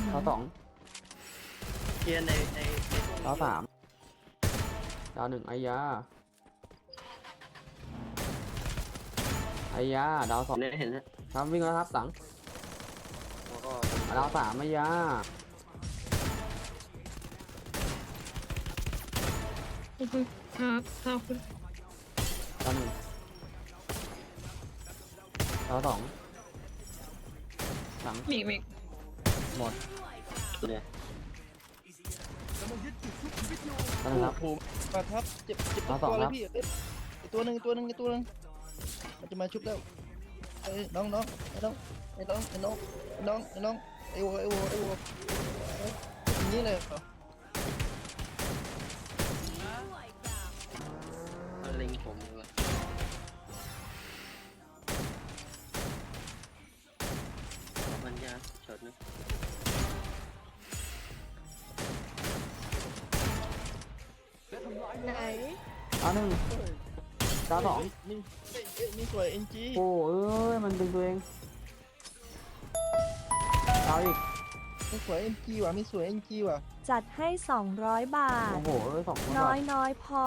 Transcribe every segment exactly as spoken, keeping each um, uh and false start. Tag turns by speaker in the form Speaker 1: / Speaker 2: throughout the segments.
Speaker 1: ดาวสอง
Speaker 2: เกียร์ในในใน
Speaker 1: ดาวสามดาวหนึ่งไอ้ยาไอ้ยาดาวสอง
Speaker 2: เนี่ยเห็นแล้ว
Speaker 1: ครับวิ่งแล้วครับสัง
Speaker 2: แล้วก็
Speaker 1: ดาวสามไอ้ยา
Speaker 3: ขอบคุณครับขอบคุณ
Speaker 1: ดาวหนึ่งดาวสองสัง
Speaker 3: มีอีกมีอีก
Speaker 1: หมด
Speaker 2: เนี่ย
Speaker 1: ดาวหนึ่งครับ
Speaker 4: โอ้โหมาทับเจ็บเจ็บ
Speaker 1: เอา
Speaker 4: ตัว
Speaker 1: สอง
Speaker 4: เล
Speaker 1: ครั
Speaker 4: ย
Speaker 1: บ
Speaker 4: พี่เอ้ยไอตัวหนึ่งตัวหนึ่งไอตัวหนึ่งมันจะมาชุบแล้วเอ้ยน้องน้องไอ้น้องไอ้น้องไอ้น้องไอ้น้องไอ้น้องไอ้วัวไอ้วัวไอ้วัวเอ้ยอย่างนี้เลยเหรอ
Speaker 2: มันเล็งผมเลยมันยาช็อตนะ
Speaker 3: ไหน
Speaker 1: ดาวหนึ่งดาวสอง
Speaker 4: นี่เอ้ยเอ้ยนี่สวยเอ็นจี
Speaker 1: โอ้เอ้ยมันดึงตัวเองดาวอีก
Speaker 4: นี่สวยเอ็นจีว่ะมีสวยเอ็นจีว่ะ
Speaker 5: จัดให้สองร้อยบาท
Speaker 1: โอ้โหเอ้ยสองคน
Speaker 5: น้อยน้อยพอ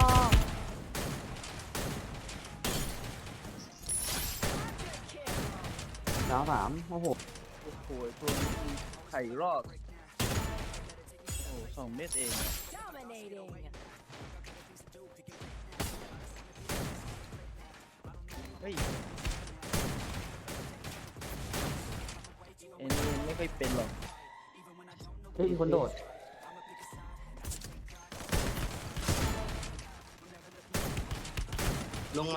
Speaker 1: ดาวสามโอ้โห
Speaker 4: โอ้โหตัวนี้ไข่รอดโอ้สองเม็ดเองเฮ้ยเอ็นนี่ไม่ค่อยเป็นหรอก
Speaker 1: เฮ้ยมีคนโดด
Speaker 2: ลงใหม่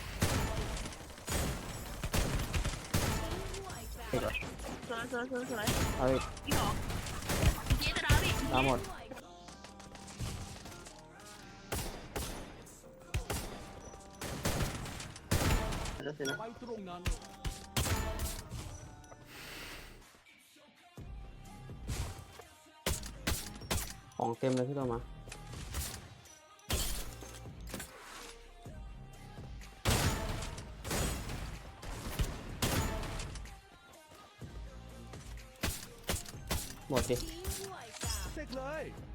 Speaker 1: เฮ้ย
Speaker 3: สวยสวยสวยสวย
Speaker 1: เอาอีก
Speaker 3: พี่หรอพี่จะดาวดิ
Speaker 1: ดาวหมด
Speaker 2: แล้วเสร็จนะ
Speaker 1: ของเต็มเลยที่เรามาหมดดิ
Speaker 6: เสกเลย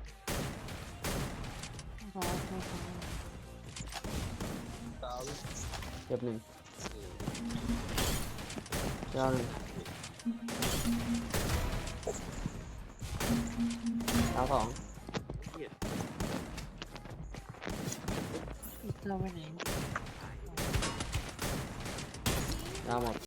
Speaker 1: เก็บหนึ่งดาวหนึ่งดาวสองดาวหมด